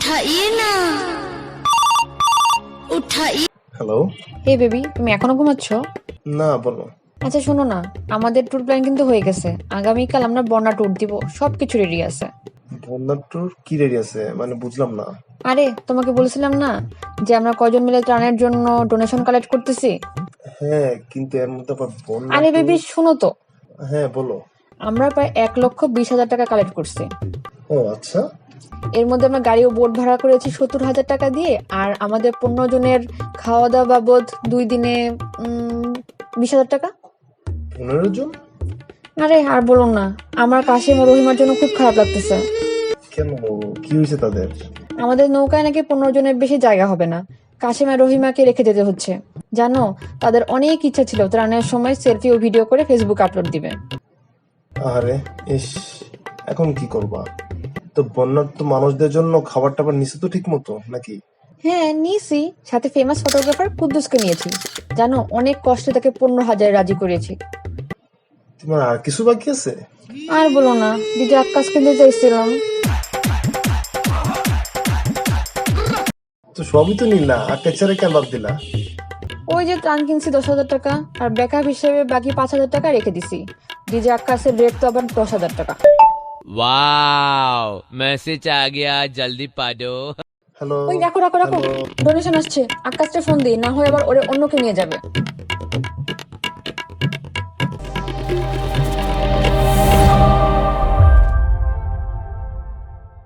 उठाइए ना उठाइए। হ্যালো। হে বেবি, তুমি এখনো ঘুমাচ্ছ? না, বলো। আচ্ছা শোনো না, আমাদের ট্যুর প্ল্যান কিন্তু হয়ে গেছে। আগামীকাল আমরা বন্যা ট্যুর দিব, সবকিছু রেডি আছে। বন্যার ট্যুর কি রেডি আছে মানে বুঝলাম না। আরে তোমাকে বলেছিলাম না যে আমরা কয়জন মিলে ত্রাণের জন্য ডোনেশন কালেক্ট করতেছি। হ্যাঁ, কিন্তু এর মধ্যে আবার বন্যা আরে ট্যুর। বেবি শোনো তো, হ্যাঁ, বলো। আমরা প্রায় 1,20,000 টাকা কালেক্ট করছি। ও আচ্ছা। এর মধ্যে আমরা গাড়ি ও বোট ভাড়া করেছি 70,000 টাকা দিয়ে, আর আমাদের 15 জনের খাওয়া দাওয়া বাবদ 2 দিনে 20,000 টাকা। 15 জন? আরে আর বলো না, আমার কাশিম ও রহিমার জন্য খুব খারাপ লাগতেছে। কেন, কি হয়েছে তাদের? আমাদের নৌকায় নাকি 15 জনের বেশি জায়গা হবে না। কাশিম আর রহিমাকে রেখে যেতে হচ্ছে। জানো, তাদের অনেক ইচ্ছা ছিল ত্রাণের সময় সেলফি ও ভিডিও করে ফেসবুক আপলোড দিবে। আরে ইস, এখন কি করবা? তো বন্যার তো মানুষদের জন্য খাবার টাবার নিছে তো ঠিক মতো নাকি? হ্যাঁ নিয়েছি, সাথে ফেমাস ফটোগ্রাফার কুদ্দুসকে নিয়েছি। জানো, অনেক কষ্টে তাকে 15,000 রাজি করেছি। তোমার আর কিছু বাকি আছে? আর বলো না, দিদি আক্কাস কিনতে চাইছিলাম। তো সবই তো নিলা, আর টেক্সারে কেন বাদ দিলা? ওই যে ত্রাণ কিনছি 10,000 টাকা, আর ব্যাকআপ হিসেবে বাকি 5,000 টাকা রেখে দিছি। ডিজে আক্কাসের রেট তো আবার 10,000 টাকা। वाओ मैसेज आ गया जल्दी पढ़ो। হ্যালো। ওই রাখো রাখো রাখো, ডোনেশন আসছে। আক্কাসটা ফোন দিই, না হয় আবার ওরে অন্যকে নিয়ে যাবে।